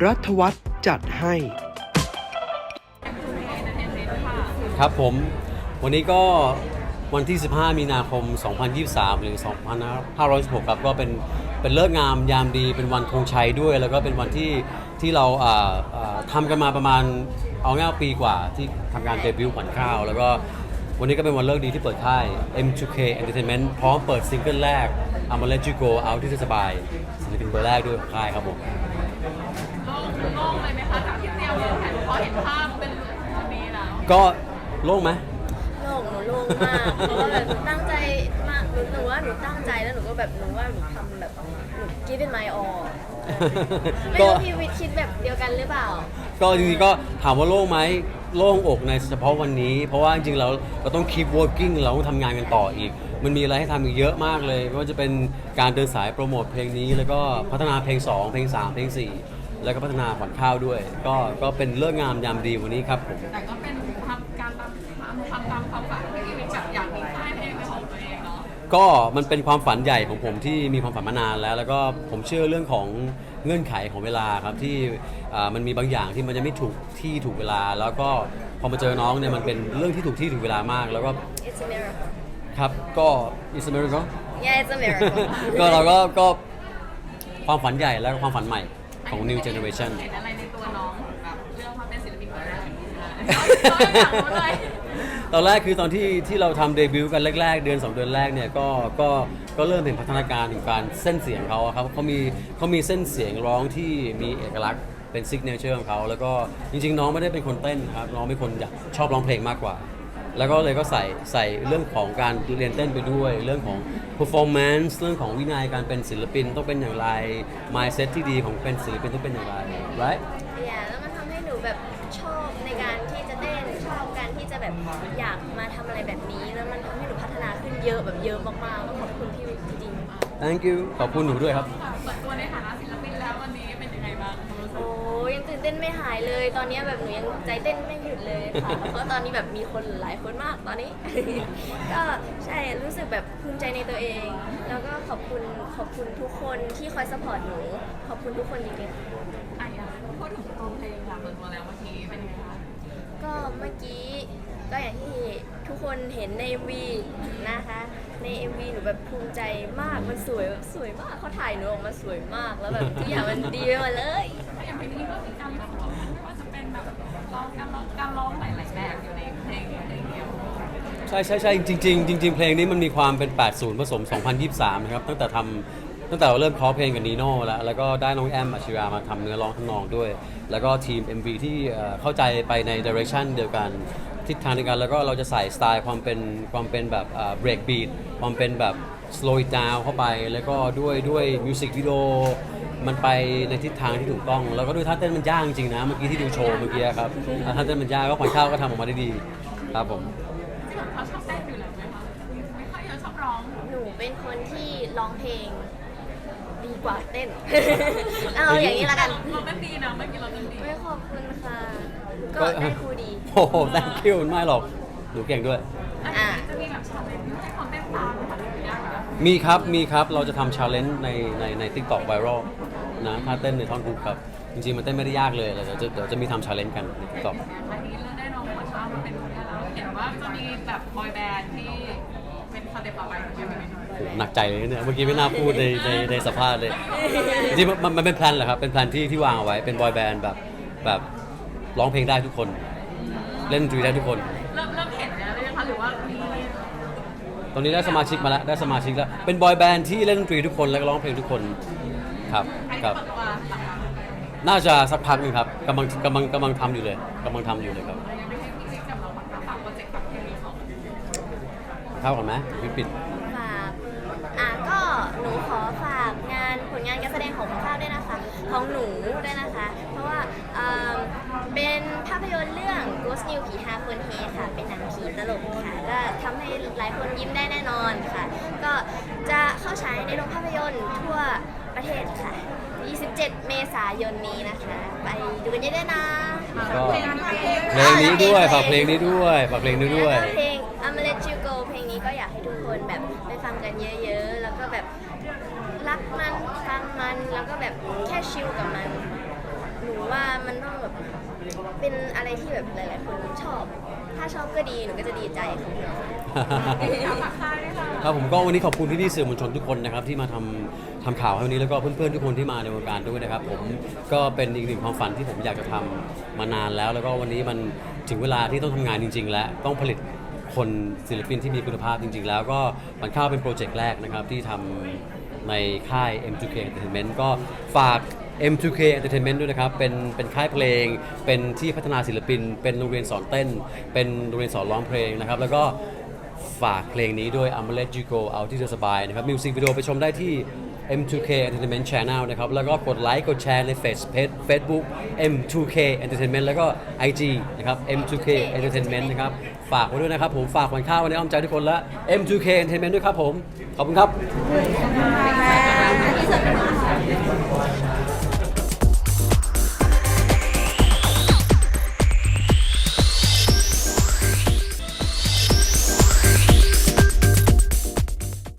รัฐวัฒน์จัดให้ครับผมวันนี้ก็วันที่ 15 มีนาคม 2023 หรือ 2516 ครับก็เป็นเลิกษ์งามยามดีเป็นวันธงชัยด้วย แล้วก็เป็นวันที่เราทำกันมาประมาณเอาง่ายปีกว่าที่ทำการเดบิวต์ขวัญข้าวแล้วก็วันนี้ก็เป็นวันเลิกดีที่เปิดค่าย M2K Entertainment พร้อมเปิดซิงเกิลแรก I'ma Let You Go Out ที่สบายศิลปินเบอร์แรกด้วยของค่ายครับผมโล่งเลยไหมคะจากที่เตรียมแผนพอเห็นภาพเป็นวันนี้แล้วก็โล่งไหมโล่งหนูโล่งมากเพราะว่าแบบหนูตั้งใจมากหนูว่าหนูตั้งใจแล้วหนูก็แบบหนูว่าหนูทำแบบหนู give it my all ไม่รู้พี่วิทย์คิดแบบเดียวกันหรือเปล่าก็จริงๆก็ถามว่าโล่งไหมโล่งอกในเฉพาะวันนี้เพราะว่าจริงๆเราต้อง keep working เราต้องทำงานกันต่ออีกมันมีอะไรให้ทำอีกเยอะมากเลยไม่ว่าจะเป็นการเดินสายโปรโมทเพลงนี้แล้วก็พัฒนาเพลง2เพลง3เพลง4แล้วก็พัฒนาขวัญข้าวด้วยก็เป็นเลิกงามยามดีวันนี้ครับผมแต่ก็เป็นทำการทำตามความฝันที่วิทย์แบบอยากมีค่ายเพลงเป็นของตัวเองเนาะก็มันเป็นความฝันใหญ่ของผมที่มีความฝันมานานแล้วก็ผมเชื่อเรื่องของเงื่อนไขของเวลาครับที่มันมีบางอย่างที่มันจะไม่ถูกที่ถูกเวลาแล้วก็พอมาเจอน้องเนี่ยมันเป็นเรื่องที่ถูกที่ถูกเวลามากแล้วก็ It's a miracle ครับก็ It's a miracle Yeah it's a miracle ก็เราก็ความฝันใหญ่และความฝันใหม่ของ New Generation เห็นอะไรในตัวน้องแบบเรื่องมาเป็นศิลปินคนแรกตอนแรกคือตอนที่เราทำเดบิวต์กันแรกๆเดือน2 เดือนแรกเนี่ยก็เริ่มเห็นพัฒนาการถึงการเส้นเสียงเขาครับเขามีเส้นเสียงร้องที่มีเอกลักษณ์เป็นซิกเนเจอร์ของเขาแล้วก็จริงๆน้องไม่ได้เป็นคนเต้นครับน้องเป็นคนอยากชอบร้องเพลงมากกว่าแล้วก็เลยก็ใส่เรื่องของการเรียนเต้นไปด้วยเรื่องของ performance เรื่องของวินัยการเป็นศิลปินต้องเป็นอย่างไร mindset ที่ดีของเป็นศิลปินต้องเป็นอย่างไร right แล้วมันทำให้หนูแบบชอบในการที่จะเต้นชอบการที่จะแบบอยากมาทำอะไรแบบนี้แล้วมันทำให้หนูพัฒนาขึ้นเยอะแบบเยอะมากๆต้องขอบคุณพี่วิทย์จริงๆ thank you ขอบคุณหนูด้วยครับเปิดตัวในฐานะศิลปินแล้ววันนี้เป็นยังไงบ้างโอ้ยังตื่นเต้นไม่หายเลยตอนนี้แบบหนูยังใจเต้นไม่หยุดเลยค่ะเพราะตอนนี้แบบมีคนหลายคนมากตอนนี้ ก็ใช่รู้สึกแบบภูมิใจในตัวเอง แล้วก็ขอบคุณทุกคนที่คอยซัพพอร์ตหนูขอบคุณทุกคนจริงๆอยากพูดถึงตัวเพลงค่ะเปิดตัวแล้วเมื่อกี้เป็นยังไงคะก็เมื่อกี้ก็อย่างที่ทุกคนเห็นใน MV นะคะใน MV หนูแบบภูมิใจมากมันสวยมากเขาถ่ายหนูออกมาสวยมากแล้วแบบทุกอย่างมันดีไปหมดเลยอย่างเพลงนี้ก็มีการร้องไม่ว่าจะเป็นแบบการร้องหลายๆแบบอยู่ในเพลงเดียวใช่จริงเพลงนี้มันมีความเป็น 80 ผสม 2023 นะครับตั้งแต่เราเริ่มเคาะเพลงกับนีโน่แล้วก็ได้น้องแอมอัชรามาทำเนื้อร้องทำนองด้วยแล้วก็ทีม MV ที่เข้าใจไปใน direction เดียวกันทิศทางเดียวกันแล้วก็เราจะใส่สไตล์ความเป็นแบบbreak beat ความเป็นแบบ slow it down เข้าไปแล้วก็ด้วยมิวสิกวิดีโอมันไปในทิศทางที่ถูกต้องแล้วก็ด้วยท่าเต้นมันยากจริงนะเมื่อกี้ที่ดูโชว์เมื่อกี้ครับท่าเต้นมันยากก็ขวัญข้าวก็ทำออกมาได้ดีครับผมเขาชอบเต้นอยู่แล้วไหมคะไม่ค่อยชอบร้องหนูเป็นคนที่ร้องเพลงดีกว่าเต้น เอาอย่างนี้ละกันเราเต้นดีนะเมื่อกี้เราเต้นดีไม่ขอบคุณค่ะก็ได้ครูดีโอ้โห thank you ไม่หรอกหนูเก่งด้วยจะมีแบบชาเลนจ์ให้คนเต้นตามไหมคะมีครับเราจะทำ challenge ใน TikTok viral นะถ้าเต้นในท่อนฮุกครับจริงๆมันเต้นไม่ได้ยากเลยเดี๋ยวจะมีทำ challenge กันใน TikTok อันนี้เราได้น้องขวัญข้าวมาเป็นคนแรกแล้วเห็นว่าจะมีแบบบอยแบนด์ที่เป็นสเต็ปต่อไปใช่ไหมหนักใจเลยเนี่ยเมื่อกี้ไม่น่าพูดในสัมภาษณ์เลยจริงๆมันเป็นแพลนแหละครับเป็นแพลนที่วางเอาไว้เป็นบอยแบนด์แบบร้องเพลงได้ทุกคนเล่นดนตรีได้ทุกคนเริ่มเห็นแล้วเลยนะคะหรือว่าตอนนี้ได้สมาชิกมาแล้วเป็นบอยแบนด์ที่เล่นดนตรีทุกคนและร้องเพลงทุกคนครับน่าจะสักพักนึงครับกำลังทำอยู่เลยครับเข้ากันไหมปิดฝากก็หนูขอฝากผลงานการแสดงของข้าวด้วยนะคะของหนูด้วยนะคะเพราะว่าเป็นภาพยนตร์เรื่อง Ghost New ผี5คนเฮค่ะเป็นหนังผีตลกค่ะก็ทำให้หลายคนยิ้มได้แน่นอนค่ะก็จะเข้าฉายในโรงภาพยนตร์ทั่วประเทศค่ะ27 เมษายนนี้นะคะไปดูกันเยอะๆนะเพลงนี้ด้วยฝากเพลงนี้ด้วยเพลง I'ma Let You Go เพลงนี้ก็อยากให้ทุกคนแบบไปฟังกันเยอะๆแล้วก็แบบรักมันฟังมันแล้วก็แบบแค่ชิลกับมันหนูว่ามันต้องแบบเป็นอะไรที่แบบหลายๆคนชอบ ถ้าชอบก็ดีหนูก็จะดีใจค่ะอยากฝากค่ายด้วยค่ะครับผมก็วันนี้ขอบคุณพี่ๆสื่อมวลชนทุกคนนะครับที่มาทำข่าวให้วันนี้แล้วก็เพื่อนๆทุกคนที่มาในวงการด้วยนะครับผมก็เป็นอีกหนึ่งความฝันที่ผมอยากจะทำมานานแล้วแล้วก็วันนี้มันถึงเวลาที่ต้องทำงานจริง ๆ แล้วต้องผลิตคนศิลปินที่มีคุณภาพจริง ๆ แล้วก็มันเข้าเป็นโปรเจกต์แรกนะครับที่ทำในค่าย M2K Entertainment ก็ฝาก M2K Entertainment ด้วยนะครับเป็นค่ายเพลงเป็นที่พัฒนาศิลปินเป็นโรงเรียนสอนเต้นเป็นโรงเรียนสอนร้องเพลงนะครับแล้วก็ฝากเพลงนี้ด้วย I'ma Let You Go เอาที่เธอสบายนะครับมิวสิกวิดีโอไปชมได้ที่ M2K Entertainment Channel นะครับแล้วก็กดไลค์กดแชร์ใน Facebook M2K Entertainment แล้วก็ IG นะครับ M2K Entertainment นะครับฝากไว้ด้วยนะครับผมฝากวันข้าววันนี้อ้อมใจทุกคนและ M2K Entertainment ด้วยครับผมขอบคุณครับ